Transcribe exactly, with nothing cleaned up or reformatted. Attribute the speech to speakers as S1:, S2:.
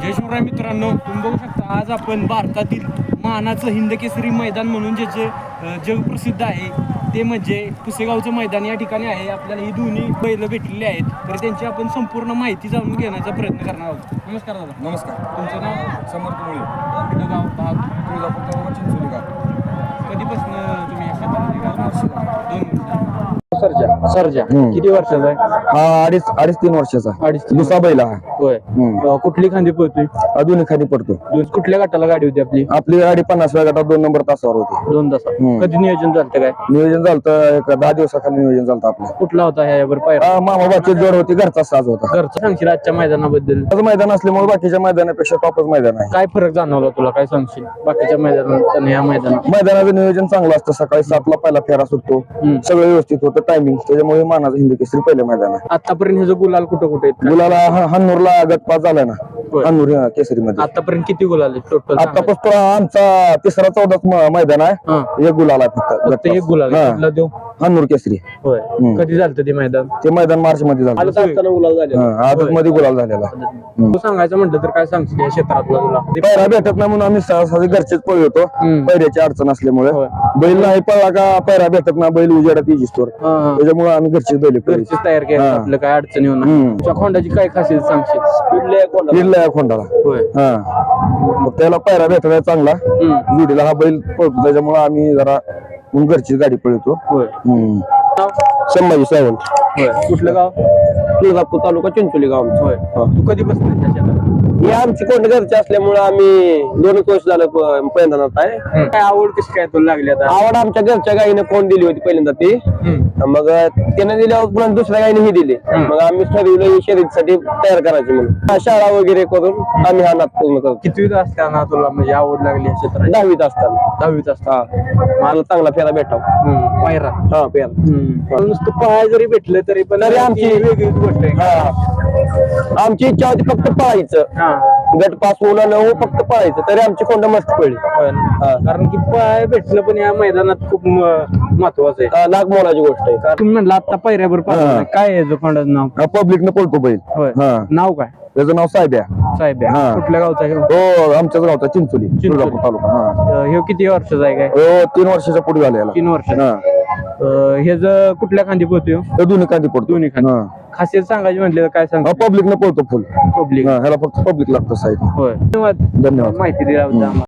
S1: जय शिवराय मित्रांनो, तुम्ही बघू शकता आज आपण भारतातील मानाचं हिंद केसरी मैदान म्हणून जे जे जगप्रसिद्ध आहे ते म्हणजे पुसेगावचं मैदान या ठिकाणी आहे. आपल्याला ही दोन्ही बैल भेटलेली आहेत, तर त्यांची आपण संपूर्ण माहिती जाणून घेण्याचा प्रयत्न करणार आहोत. नमस्कार दादा.
S2: नमस्कार.
S1: तुमचं नाव?
S2: समर्थ मुळे.
S1: कुठलं गाव? भाग?
S2: तुळजापूर तालुका चिंचोली गाव.
S1: कधीपासून तुम्ही या शेतामध्ये गाव? दोन वर्ष.
S3: सरजा
S1: सरजा
S3: हम्म.
S1: किती वर्षाचा आहे?
S3: हा अडीच अडीच तीन वर्षाचा
S1: अडीच तीन
S3: दुसरा बैल हा
S1: होय.
S3: हम्म.
S1: अं, कुठली खांदी पळतोय?
S3: अजून खाली पडतो.
S1: दोन कुठल्या गटाला गाडी होती आपली?
S3: आपली गाडी पन्नासव्या गटात दोन नंबर तासावर होती.
S1: दोन तासात.
S3: हम्म.
S1: कधी नियोजन झालं काय?
S3: नियोजन झालं एक दहा दिवसाखाली नियोजन झालं आपलं.
S1: कुठला होता ह्यावर पायरा?
S3: हा, मामाबाची जोड होती, घरचा साज होता.
S1: घरचं सांगशील आजच्या मैदानाबद्दल?
S3: आज मैदान असल्यामुळे बाकीच्या मैदानापेक्षा टॉपच मैदान आहे.
S1: काय फरक जाणवला तुला? काय सांगशील बाकीच्या मैदानात आणि या मैदानात?
S3: मैदानाचं नियोजन चांगलं असतं. सकाळी सातला पहिला फेरा सुटतो,
S1: हम्म.
S3: सगळं व्यवस्थित होतं टायमिंग. त्याच्यामुळे मानाचं हिंदी केसरी पहिले मैदान आहे.
S1: आतापर्यंत ह्याचं गुलाल कुठं कुठे आहेत?
S3: गुलाला हा- हन्नूरला गटपास झालाय ना,
S1: होय.
S3: हन्नूर केसरी मध्ये.
S1: आतापर्यंत किती गुलाल आहेत टोटल?
S3: आतापासून आमचा तिसरा चौदाच म- मैदान आहे.
S1: हा.
S3: एक गुलाल आहे फक्त
S1: फक्त एक गुलाल
S3: हा.
S1: आहे. कुठला देऊ?
S3: हन्नूर केसरी.
S1: होय.
S3: हम्म.
S1: कधी झालं ते मैदान?
S3: ते मैदान मार्च मध्ये झालं.
S1: आलं असताना गुलाल झाले.
S3: आदत मध्ये गुलाल झालेला.
S1: तू सांगायचं म्हटलं तर काय सांगशील या क्षेत्रातला तुला?
S3: पैरा भेटत नाही म्हणून आम्ही सहसा घरचेच पळ होतो.
S1: हम्म.
S3: पैऱ्याची अडचण असल्यामुळे
S1: होय.
S3: बैल नाही पळला का पैरा भेटत ना, बैल उजेडात इजिस्तोर.
S1: हा, हा.
S3: त्याच्यामुळे आम्ही घरचेच बैल पळतो.
S1: घरचीच तयार केलं
S3: हा.
S1: आपलं काय अडचणी होणार?
S3: हम्म.
S1: तुझ्या खोंडाची काय खासियत सांगशील?
S3: फिरला या खोंडाला.
S1: होय.
S3: हा, मग त्याला पैरा भेटला चांगला.
S1: हम्म.
S3: जुडीला हा बैल पळतो, त्याच्यामुळे आम्ही जरा मग घरचीच गाडी पळतो.
S1: होय.
S3: हम्म.
S1: नाव?
S3: संभाजी सावंत.
S1: होय. कुठलं गाव?
S3: तुळजापूर तालुका चिंचोली गाव.
S1: होय. तू कधी बसली त्या शेतात?
S3: हे आमची कोंड घरचे असल्यामुळे आम्ही दोन वर्ष झालं पहिल्यांदाच आहे.
S1: काय आवड कशी काय तुला लागली आता?
S3: आवड आमच्या घरच्या गाईने कोण दिली होती पहिल्यांदा ती.
S1: हम्म.
S3: मग त्याने दिल्यावर पुन्हा दुसऱ्या गाईने ही दिली.
S1: हम्म.
S3: मग आम्ही ठरवलं ही शर्यतीसाठी तयार करायची म्हणून शाळा वगैरे करून आम्ही हा नाद पूर्ण करतो.
S1: कितवीत असताना तुला म्हणजे आवड लागली या क्षेत्रात?
S3: दहावीत असताना.
S1: दहावीत असताना.
S3: हा, मला चांगला फेरा भेटावा.
S1: हम्म. पायरा.
S3: हा, फेरा.
S1: मला नुसतं पळाय जरी भेटलं तरी पण
S3: तरी आमची-
S1: ती वेगळीच गोष्ट आहे.
S3: हा, आमची इच्छा होती फक्त पळायचं.
S1: हा.
S3: गट पास होणार न हो, फक्त पळायचं. तरी आमची कोंड मस्त पडली.
S1: होय ना? कारण की पळाय भेटलं पण या मैदानात खूप म- महत्वाचं आहे.
S3: लाख मोलाची गोष्ट आहे.
S1: कारण तुम्ही म्हणलं आता पायऱ्यावर
S3: हा.
S1: पाहिजे काय आहे खोंडाचं नाव?
S3: पब्लिक न पळतो बैल.
S1: होय.
S3: हा,
S1: नाव काय?
S3: त्याचं नाव साहेब्या.
S1: साहेब आहे.
S3: हा.
S1: कुठल्या गावचा आहे?
S3: हो, आमच्याच गावचा चिंचोली,
S1: चिंचोली.
S3: तुळजापूर तालुका. हा,
S1: हे किती वर्षाचा आहे काय?
S3: हो, तीन वर्षाच्या पुढे झाले याला.
S1: तीन वर्ष.
S3: हा,
S1: हे जर कुठल्या खांदी पोहतोय?
S3: तर दोन्ही कांदी पडतो.
S1: दोन्ही खांदी.
S3: हा.
S1: खासियत सांगायची म्हटलं तर काय सांग?
S3: पब्लिक न पळतो फुल.
S1: पब्लिक.
S3: हा, ह्याला फक्त पब्लिक लागतं साईड.
S1: होय. धन्यवाद
S3: धन्यवाद.
S1: माहिती दिल्याबद्दल आम्हाला.